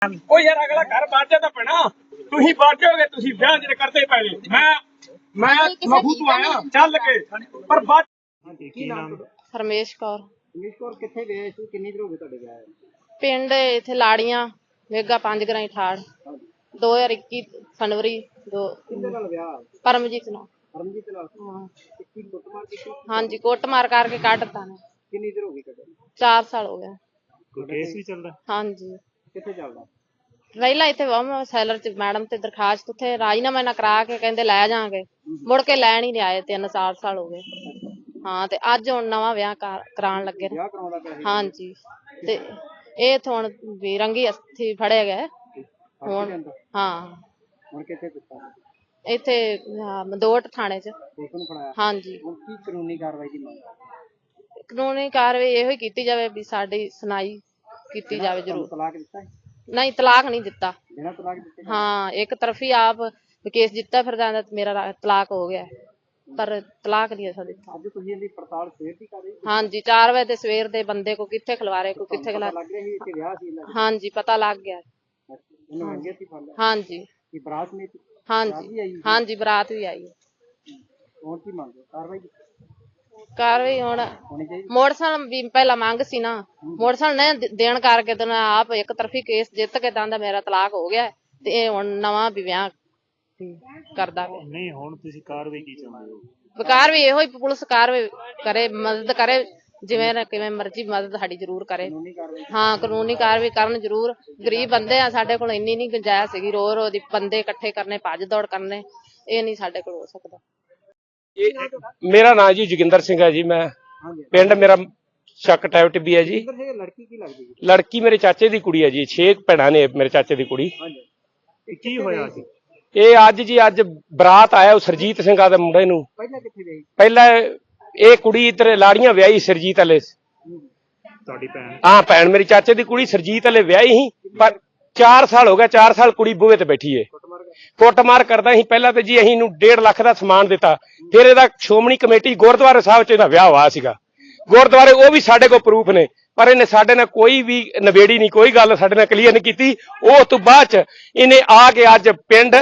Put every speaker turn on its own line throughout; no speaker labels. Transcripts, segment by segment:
ਉਹ ਯਾਰ ਅਗਲਾ ਘਰ ਬਾਜਾ ਤਾਂ ਪੈਣਾ ਤੁਸੀਂ ਬਾਜੋਗੇ ਤੁਸੀਂ ਵਿਆਹ ਜਿਹੜੇ ਕਰਦੇ ਪਏ ਮੈਂ ਮਖੂ ਤੋਂ ਆਇਆ ਚੱਲ ਕੇ ਪਰ ਬਾਅਦ
ਕੀ ਨਾਮ?
ਹਰਮੇਸ਼ ਕੌਰ।
ਇੰਗਲਿਸ਼ ਕੋਰ ਕਿੱਥੇ ਗਏ ਸੀ? ਕਿੰਨੀ ਦੇਰ ਹੋ ਗਈ ਤੁਹਾਡੇ ਵਿਆਹ ਨੂੰ?
ਪਿੰਡ ਇੱਥੇ ਲਾੜੀਆਂ ਵੇਗਾ 5 ਗਰਾਈ ਠਾੜ 2021 ਫਰਵਰੀ
ਕਿਹਦੇ ਨਾਲ ਵਿਆਹ?
ਪਰਮਜੀਤ ਨਾਲ।
ਪਰਮਜੀਤ ਨਾਲ?
ਹਾਂ
ਕੀ ਕੁੱਟਮਾਰ ਕੀਤੀ?
ਹਾਂਜੀ ਕੁੱਟਮਾਰ ਕਰਕੇ ਕੱਢਤਾ ਨੇ।
ਕਿੰਨੀ ਦੇਰ ਹੋ ਗਈ ਕੱਢੇ?
4 ਸਾਲ ਹੋ ਗਏ।
ਕੋਈ ਕੇਸ ਵੀ ਚੱਲਦਾ?
ਹਾਂਜੀ
ਕਿੱਥੇ ਚੱਲਦਾ?
ਪਹਿਲਾਂ ਇੱਥੇ ਸੈਲਰ ਚ ਮੈਡਮ ਤੇ ਦਰਖਾਸਤ ਉੱਥੇ ਰਾਜੀਨਾਮਾ ਨਾ ਕਰਾ ਕੇ ਕਹਿੰਦੇ ਲੈ ਜਾਾਂਗੇ ਮੁੜ ਕੇ ਲੈਣ ਹੀ ਨਹੀਂ ਆਏ। 3-4 ਸਾਲ ਹੋ ਗਏ। ਹਾਂ ਤੇ ਅੱਜ ਹੁਣ ਨਵਾਂ ਵਿਆਹ ਕਰਾਉਣ ਲੱਗੇ ਨੇ।
ਵਿਆਹ ਕਰਾਉਂਦਾ ਪਿਆ ਸੀ?
ਹਾਂਜੀ ਤੇ ਇਹ ਹੁਣ ਵੀ ਰੰਗੀ ਅਸਥੀ ਫੜੇ ਗਏ ਹੁਣ। ਹਾਂ
ਹੁਣ ਕਿੱਥੇ ਦਿੱਤਾ?
ਇੱਥੇ ਮਦੋਟ ਥਾਣੇ ਚ।
ਪੁਲਿਸ ਨੂੰ ਫੜਾਇਆ?
ਹਾਂਜੀ
ਹੁਣ ਕੀ ਕਾਨੂੰਨੀ ਕਾਰਵਾਈ ਦੀ ਮੰਗ?
ਕਾਨੂੰਨੀ ਕਾਰਵਾਈ ਇਹੋ ਹੀ ਕੀਤੀ ਜਾਵੇ ਵੀ ਸਾਡੀ ਸੁਣਾਈ ਕੀਤੀ ਜਾਵੇ ਜ਼ਰੂਰ।
ਤਲਾਕ ਦਿੱਤਾ ਹੈ?
ਨਹੀਂ ਤਲਾਕ ਨਹੀਂ ਦਿੱਤਾ।
ਬਿਨਾਂ ਤਲਾਕ ਦਿੱਤੇ?
ਹਾਂ ਇੱਕ ਤਰਫੀ ਆਪ ਕੇਸ ਜਿੱਤਾ ਫਿਰ ਜਾਂਦਾ ਮੇਰਾ ਤਲਾਕ ਹੋ ਗਿਆ ਪਰ ਤਲਾਕ ਨਹੀਂ ਅਸਾਂ ਦਿੱਤਾ।
ਅੱਜ ਤੁਸੀਂ ਇਹਦੀ ਪੜਤਾਲ ਸਵੇਰ ਦੀ ਕਰ ਰਹੇ ਹੋ?
ਹਾਂਜੀ 4 ਵਜੇ ਦੇ ਸਵੇਰ ਦੇ ਬੰਦੇ ਕੋ ਕਿੱਥੇ ਖਿਲਵਾਰੇ ਕੋ ਕਿੱਥੇ
ਲੱਗ ਰਿਹਾ ਸੀ ਇੱਥੇ ਵਿਆਹ ਸੀ ਇਹਨਾਂ ਦਾ?
ਹਾਂਜੀ ਪਤਾ ਲੱਗ ਗਿਆ।
ਇਹਨੂੰ ਮੰਗੇ ਸੀ ਫੜ ਲਿਆ?
ਹਾਂਜੀ
ਕੀ ਬਰਾਤ ਨਹੀਂ?
ਹਾਂਜੀ ਹਾਂਜੀ ਬਰਾਤ ਵੀ ਆਈ।
ਹੁਣ ਕੀ ਮੰਗ? ਕਾਰਵਾਈ
ਕਾਰਵਾਈ ਹੁਣ
ਹੋਣੀ ਚਾਹੀਦੀ?
ਮੋਟਰਸਾਈਕਲ ਵੀ ਪਹਿਲਾਂ ਮੰਗ ਸੀ ਨਾ ਮੋਟਰਸਾਈਕਲ ਨੇ ਦੇਣ ਕਰਕੇ ਤੇ ਆਪ ਇੱਕ ਤਰਫੀ ਕੇਸ ਜਿੱਤ ਕੇ ਦੰਦਾ ਮੇਰਾ ਤਲਾਕ ਹੋ ਗਿਆ ਤੇ ਇਹ ਹੁਣ ਨਵਾਂ ਵੀ ਵਿਆਹ ਕਰਦਾ ਪਿਆ।
ਨਹੀਂ ਹੁਣ ਤੁਸੀਂ ਕਾਰਵਾਈ ਕੀ ਚਾਹੁੰਦੇ ਹੋ?
ਵਿਕਾਰ ਵੀ ਇਹੋ ਹੀ ਪੁਲਿਸ ਕਾਰਵਾਈ ਕਰੇ ਮਦਦ ਕਰੇ ਜਿਵੇਂ ਕਿਵੇਂ ਮਰਜ਼ੀ ਮਦਦ ਸਾਡੀ ਜ਼ਰੂਰ ਕਰੇ। ਹਾਂ ਕਾਨੂੰਨੀ ਕਾਰਵਾਈ ਕਰਨ ਜ਼ਰੂਰ। ਗਰੀਬ ਬੰਦੇ ਆ ਸਾਡੇ ਕੋਲ ਇੰਨੀ ਨਹੀਂ ਗੁੰਜਾਇਸ਼ ਸੀਗੀ ਰੋ ਦੀ ਬੰਦੇ ਇਕੱਠੇ ਕਰਨੇ ਭੱਜ ਦੌੜ ਕਰਨੇ ਇਹ ਨਹੀਂ ਸਾਡੇ ਕੋਲ ਹੋ ਸਕਦਾ।
ਮੇਰਾ ਨਾਂ ਜੀ ਜੋਗਿੰਦਰ ਸਿੰਘ ਹੈ ਜੀ। ਮੈਂ ਪਿੰਡ ਮੇਰਾ ਸ਼ੱਕ ਟੈਵਟ ਵੀ ਹੈ ਜੀ।
ਲੜਕੀ ਕੀ ਲੱਗਦੀ ਹੈ?
ਲੜਕੀ ਮੇਰੇ ਚਾਚੇ ਦੀ ਕੁੜੀ ਹੈ ਜੀ। 6 ਭੈਣਾਂ ਨੇ ਮੇਰੇ ਚਾਚੇ ਦੀ ਕੁੜੀ।
ਕੀ ਹੋਇਆ ਸੀ?
ਇਹ ਅੱਜ ਬਰਾਤ ਆਇਆ ਉਹ ਸਰਜੀਤ ਸਿੰਘ ਦੇ ਮੁੰਡੇ ਨੂੰ।
ਪਹਿਲਾਂ ਕਿੱਥੇ ਗਈ?
ਪਹਿਲਾਂ ਇਹ ਕੁੜੀ ਇੱਧਰ ਲਾੜੀਆਂ ਵਿਆਹੀ ਸਰਜੀਤ ਵਾਲੇ।
ਤੁਹਾਡੀ ਭੈਣ?
ਹਾਂ ਭੈਣ ਮੇਰੀ ਚਾਚੇ ਦੀ ਕੁੜੀ ਸਰਜੀਤ ਵਾਲੇ ਵਿਆਹੀ ਸੀ ਪਰ 4 ਸਾਲ ਹੋ ਗਿਆ। 4 ਸਾਲ ਕੁੜੀ ਬੂਹੇ ਤੇ ਬੈਠੀ ਏ ਕੁੱਟਮਾਰ ਕਰਦਾ ਸੀ। ਪਹਿਲਾਂ ਤੇ ਜੀ ਅਸੀਂ ਇਹਨੂੰ 1.5 ਲੱਖ ਦਾ ਸਮਾਨ ਦਿੱਤਾ। ਫਿਰ ਇਹਦਾ ਸ਼੍ਰੋਮਣੀ ਕਮੇਟੀ ਗੁਰਦੁਆਰੇ ਸਾਹਿਬ ਚ ਇਹਦਾ ਵਿਆਹ ਹੋਇਆ ਸੀਗਾ ਗੁਰਦੁਆਰੇ। ਉਹ ਵੀ ਸਾਡੇ ਕੋਲ ਪ੍ਰੂਫ ਨੇ ਪਰ ਇਹਨੇ ਸਾਡੇ ਨਾਲ ਕੋਈ ਵੀ ਨਵੇੜੀ ਨਹੀਂ ਕੋਈ ਗੱਲ ਸਾਡੇ ਨਾਲ ਕਲੀਅਰ ਨਹੀਂ ਕੀਤੀ। ਉਹ ਤੋਂ ਬਾਅਦ ਚ ਇਹਨੇ ਆ ਕੇ ਅੱਜ ਪਿੰਡ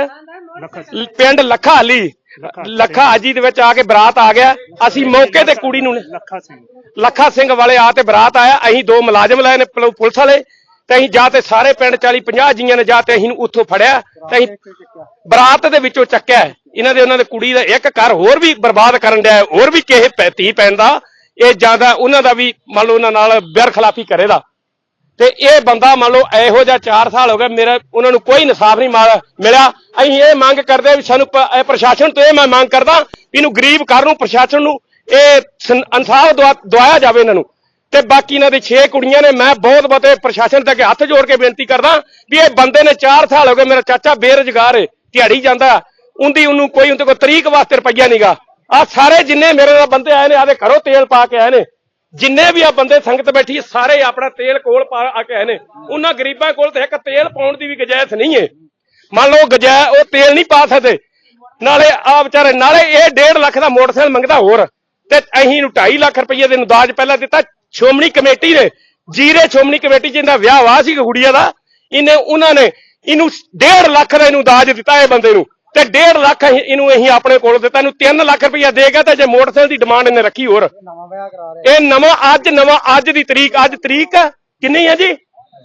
ਲੱਖਾ ਹਾਲੀ ਲੱਖਾ ਹਾਜੀ ਦੇ ਵਿੱਚ ਆ ਕੇ ਬਰਾਤ ਆ ਗਿਆ। ਅਸੀਂ ਮੌਕੇ ਤੇ ਕੁੜੀ ਨੂੰ ਲੱਖਾ ਸਿੰਘ ਵਾਲੇ ਆ ਤੇ ਬਰਾਤ ਆਇਆ। ਅਸੀਂ 2 ਮੁਲਾਜ਼ਮ ਲਾਏ ਨੇ ਪੁਲਿਸ ਵਾਲੇ ਤੇ ਅਸੀਂ ਜਾ ਤੇ ਸਾਰੇ ਪਿੰਡ 40-50 ਜੀਆਂ ਨੇ ਜਾ ਤੇ ਅਸੀਂ ਉੱਥੋਂ ਫੜਿਆ ਤੇ ਅਸੀਂ ਬਰਾਤ ਦੇ ਵਿੱਚੋਂ ਚੱਕਿਆ। ਉਹਨਾਂ ਦੇ ਕੁੜੀ ਦਾ ਇੱਕ ਘਰ ਹੋਰ ਵੀ ਬਰਬਾਦ ਕਰਨ ਡਿਆ ਹੋਰ ਵੀ ਕਿਸੇ ਧੀ ਭੈਣ ਦਾ ਇਹ ਜਿਆਦਾ ਉਹਨਾਂ ਦਾ ਵੀ ਮੰਨ ਲਓ ਉਹਨਾਂ ਨਾਲ ਬੇਰਖਲਾਫੀ ਕਰੇਦਾ ਤੇ ਇਹ ਬੰਦਾ ਮੰਨ ਲਓ ਇਹੋ ਜਿਹਾ 4 ਸਾਲ ਹੋ ਗਏ ਮੇਰਾ ਉਹਨਾਂ ਨੂੰ ਕੋਈ ਇਨਸਾਫ ਨਹੀਂ ਮਿਲਿਆ। ਅਸੀਂ ਇਹ ਮੰਗ ਕਰਦੇ ਵੀ ਸਾਨੂੰ ਪ੍ਰਸ਼ਾਸਨ ਤੋਂ ਇਹ ਮੈਂ ਮੰਗ ਕਰਦਾ ਵੀ ਇਹਨੂੰ ਗਰੀਬ ਘਰ ਨੂੰ ਪ੍ਰਸ਼ਾਸਨ ਨੂੰ ਇਹ ਇਨਸਾਫ ਦਵਾਇਆ ਜਾਵੇ ਇਹਨਾਂ ਨੂੰ। ਤੇ ਬਾਕੀ ਇਹਨਾਂ ਦੇ 6 ਕੁੜੀਆਂ ਨੇ। ਮੈਂ ਬਹੁਤ ਪ੍ਰਸ਼ਾਸਨ ਤੱਕ ਹੱਥ ਜੋੜ ਕੇ ਬੇਨਤੀ ਕਰਦਾ ਵੀ ਇਹ ਬੰਦੇ ਨੇ 4 ਸਾਲ ਹੋ ਗਏ ਮੇਰਾ ਚਾਚਾ ਬੇਰੁਜ਼ਗਾਰ ਹੈ ਦਿਹਾੜੀ ਜਾਂਦਾ ਉਹਨੂੰ ਕੋਈ ਉਹਦੇ ਕੋਲ ਤਰੀਕ ਵਾਸਤੇ ਰੁਪਈਆ ਨਹੀਂਗਾ। ਆ ਸਾਰੇ ਜਿੰਨੇ ਮੇਰੇ ਨਾਲ ਬੰਦੇ ਆਏ ਨੇ ਆਦੇ ਘਰੋਂ ਤੇਲ ਪਾ ਕੇ ਆਏ ਨੇ ਜਿੰਨੇ ਵੀ ਆ ਬੰਦੇ ਸੰਗਤ ਬੈਠੀ ਸਾਰੇ ਆਪਣਾ ਤੇਲ ਕੋਲ ਪਾ ਕੇ ਆਏ ਨੇ। ਉਹਨਾਂ ਗਰੀਬਾਂ ਕੋਲ ਤੇ ਇੱਕ ਤੇਲ ਪਾਉਣ ਦੀ ਵੀ ਗੁੰਜਾਇਸ਼ ਨਹੀਂ ਹੈ। ਮੰਨ ਲਓ ਉਹ ਤੇਲ ਨਹੀਂ ਪਾ ਸਕਦੇ। ਨਾਲੇ ਆ ਵਿਚਾਰੇ ਨਾਲੇ ਇਹ 1.5 ਲੱਖ ਦਾ ਮੋਟਰਸਾਈਕਲ ਮੰਗਦਾ ਹੋਰ ਤੇ ਅਸੀਂ ਇਹਨੂੰ 2.5 ਲੱਖ ਰੁਪਈਏ ਦੇ ਦਾਜ ਪਹਿਲਾਂ ਦਿੱਤਾ ਸ਼੍ਰੋਮਣੀ ਕਮੇਟੀ ਨੇ। ਜੀਰੇ ਸ਼੍ਰੋਮਣੀ ਕਮੇਟੀ ਜਿਹਦਾ ਵਿਆਹ ਵਾ ਸੀ ਗੁੜੀਆ ਦਾ ਉਹਨਾਂ ਨੇ ਇਹਨੂੰ 1.5 ਲੱਖ ਦਾ ਇਹਨੂੰ ਦਾਜ ਦਿੱਤਾ ਇਹ ਬੰਦੇ ਨੂੰ ਤੇ 1.5 ਲੱਖ ਇਹਨੂੰ ਅਸੀਂ ਆਪਣੇ ਕੋਲ ਦਿੱਤਾ। ਇਹਨੂੰ 3 ਲੱਖ ਰੁਪਈਆ ਦੇ ਗਿਆ ਤੇ ਜੇ ਮੋਟਰਸਾਈਕਲ ਦੀ ਡਿਮਾਂਡ ਇਹਨੇ ਰੱਖੀ ਹੋਰ। ਇਹ ਨਵਾਂ ਅੱਜ ਦੀ ਤਰੀਕ ਅੱਜ ਤਰੀਕ ਕਿੰਨੀ ਹੈ ਜੀ?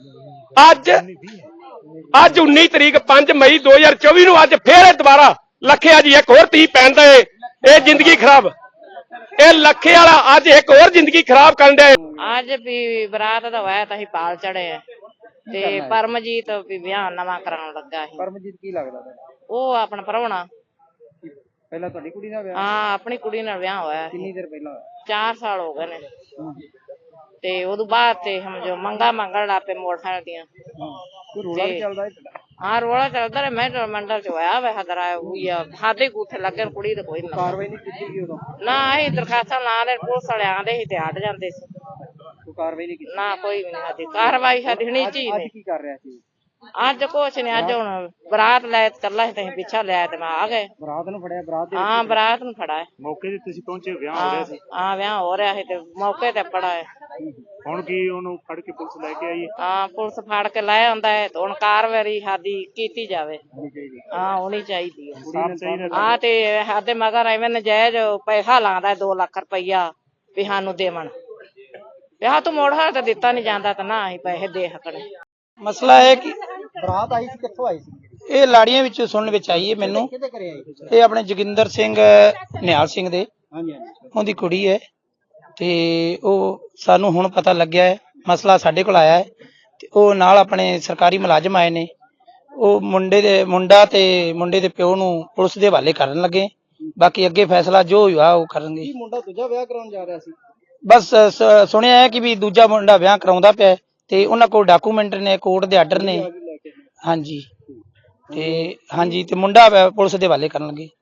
ਅੱਜ 19 ਤਰੀਕ 5 ਮਈ 2024 ਨੂੰ ਅੱਜ ਫੇਰ ਦੁਬਾਰਾ ਲੱਖੇ ਜੀ ਇੱਕ ਹੋਰ ਧੀ ਪੈਣ ਦਾ ਇਹ ਜ਼ਿੰਦਗੀ ਖਰਾਬ ਇਹ ਲੱਖੇ ਵਾਲਾ ਅੱਜ ਇੱਕ ਹੋਰ ਜ਼ਿੰਦਗੀ ਖਰਾਬ ਕਰਨ ਡਿਆ।
ਅੱਜ ਵੀ ਬਰਾਤ ਦਾ ਹੋਇਆ ਤਾਂ ਅਸੀਂ ਪਾਲ ਚੜੇ ਆ ਤੇ ਪਰਮਜੀਤ ਵੀ ਵਿਆਹ ਨਵਾਂ ਕਰਾਉਣ ਲੱਗਾ ਸੀ।
ਪਰਮਜੀਤ ਕੀ ਲੱਗਦਾ?
ਉਹ ਆਪਣਾ ਪ੍ਰਾਹੁਣਾ।
ਪਹਿਲਾਂ ਤੁਹਾਡੀ ਕੁੜੀ ਨਾਲ ਵਿਆਹ?
ਹਾਂ ਆਪਣੀ ਕੁੜੀ ਨਾਲ ਵਿਆਹ ਹੋਇਆ।
ਕਿੰਨੀ ਦੇਰ ਪਹਿਲਾਂ?
4 ਸਾਲ ਹੋ ਗਏ ਨੇ ਤੇ ਉਦੋਂ ਬਾਅਦ ਤੇ ਸਮਝੋ ਮੰਗਾ ਮੰਗਣ ਲੱਗ ਪਏ ਮੋਟਰਸਾਈਕਲ ਦੀਆਂ।
ਰੋਲਾ ਚੱਲਦਾ?
ਹਾਂ ਰੋਲਾ ਚੱਲਦਾ ਰਿਹਾ। ਮੈਂ ਮੰਡਲ ਚ ਹੋਇਆ ਵੇ ਹਦਰਾ ਹੋਈ ਆ ਸਾਡੇ ਗੂਠੇ ਲੱਗੇ ਕੁੜੀ ਤੇ ਕੋਈ
ਕਾਰਵਾਈ ਨਹੀਂ ਕੀਤੀ ਉਦੋਂ?
ਨਾ ਅਸੀਂ ਦਰਖਾਸਤਾਂ ਲਾ ਦੇ ਪੁਲਿਸ ਵਾਲੇ ਆਂਦੇ ਸੀ ਤੇ ਹਟ ਜਾਂਦੇ ਸੀ।
ਕੋਈ ਕਾਰਵਾਈ ਨਹੀਂ ਕੀਤੀ? ਨਾ
ਕੋਈ ਵੀ ਨਹੀਂ ਸਾਡੀ ਕਾਰਵਾਈ ਸਾਡੀ ਹੋਣੀ ਚਾਹੀਦੀ।
ਕੀ ਕਰ ਰਿਹਾ ਸੀ
ਅੱਜ ਕੁਛ ਨੀ ਅੱਜ ਹੁਣ ਬਰਾਤ ਲੈ ਚੱਲਾ ਸੀ ਤੇ ਪਿੱਛਾ ਲਿਆ ਤੇ ਮੈਂ ਆ ਗਏ।
ਬਰਾਤ ਨੂੰ ਫੜਿਆ?
ਹਾਂ ਬਰਾਤ ਨੂੰ ਫੜਾ।
ਮੌਕੇ ਤੇ ਤੁਸੀਂ ਪਹੁੰਚੇ? ਵਿਆਹ ਹੋ ਰਿਹਾ ਸੀ?
ਹਾਂ ਵਿਆਹ ਹੋ ਰਿਹਾ ਸੀ ਤੇ ਮੌਕੇ ਤੇ ਫੜਾ ਹੈ।
ਹੁਣ ਕੀ ਉਹਨੂੰ ਫੜ ਕੇ ਪੁਲਿਸ ਲੈ ਕੇ ਆਈ?
ਹਾਂ ਪੁਲਿਸ ਫੜ ਕੇ ਲੈ ਆਉਂਦਾ ਹੈ ਤੇ ਹੁਣ ਕਾਰਵਾਈ ਸਾਡੀ ਕੀਤੀ ਜਾਵੇ। ਹਾਂ ਹੋਣੀ ਚਾਹੀਦੀ ਹੈ। ਹਾਂ ਤੇ ਸਾਡੇ ਮਗਰ ਐਵੇਂ ਨਜਾਇਜ਼ ਪੈਸਾ ਲਾਉਂਦਾ 2 ਲੱਖ ਰੁਪਈਆ ਵੀ ਸਾਨੂੰ ਦੇਵਣ, ਵਿਆਹ ਤੋਂ ਮੋੜ ਹਾਰ ਤਾਂ ਦਿੱਤਾ ਨਹੀਂ ਜਾਂਦਾ ਤਾਂ ਨਾ ਅਸੀਂ ਪੈਸੇ ਦੇ ਸਕਣੇ।
ਮਸਲਾ ਹੈ ਕਿ
ਬਰਾਤ ਆਈ ਸੀ, ਕਿੱਥੋਂ ਆਈ ਸੀ?
ਇਹ ਲਾੜੀਆਂ ਵਿੱਚ ਸੁਣਨ ਵਿੱਚ ਆਈ ਹੈ ਮੈਨੂੰ।
ਕਿਹਦੇ ਘਰੇ ਆਈ?
ਇਹ ਆਪਣੇ ਜੋਗਿੰਦਰ ਸਿੰਘ ਨਿਹਾਲ ਸਿੰਘ ਦੇ,
ਹਾਂਜੀ ਹਾਂਜੀ।
ਉਹਦੀ ਕੁੜੀ ਹੈ ਤੇ ਉਹ ਸਾਨੂੰ ਹੁਣ ਪਤਾ ਲੱਗਿਆ ਹੈ, ਮਸਲਾ ਸਾਡੇ ਕੋਲ ਆਇਆ ਹੈ ਤੇ ਉਹ ਨਾਲ ਆਪਣੇ ਸਰਕਾਰੀ ਮੁਲਾਜ਼ਮ ਆਏ ਨੇ। ਉਹ ਮੁੰਡਾ ਤੇ ਮੁੰਡੇ ਦੇ ਪਿਓ ਨੂੰ ਪੁਲਿਸ ਦੇ ਹਵਾਲੇ ਕਰਨ ਲੱਗੇ, ਬਾਕੀ ਅੱਗੇ ਫੈਸਲਾ ਜੋ ਹੋਇਆ ਉਹ ਕਰਨਗੇ।
ਕੀ ਮੁੰਡਾ ਦੂਜਾ ਵਿਆਹ ਕਰਾਉਣ ਜਾ ਰਿਹਾ ਸੀ?
ਬਸ ਸੁਣਿਆ ਹੈ ਕਿ ਵੀ ਦੂਜਾ ਮੁੰਡਾ ਵਿਆਹ ਕਰਾਉਂਦਾ ਪਿਆ ਤੇ ਉਹਨਾਂ ਕੋਲ ਡਾਕੂਮੈਂਟ ਨੇ, ਕੋਰਟ ਦੇ ਆਰਡਰ ਨੇ। ਹਾਂਜੀ ਤੇ ਮੁੰਡਾ ਪੁਲਿਸ ਦੇ ਹਵਾਲੇ ਕਰਨ ਲੱਗੇ।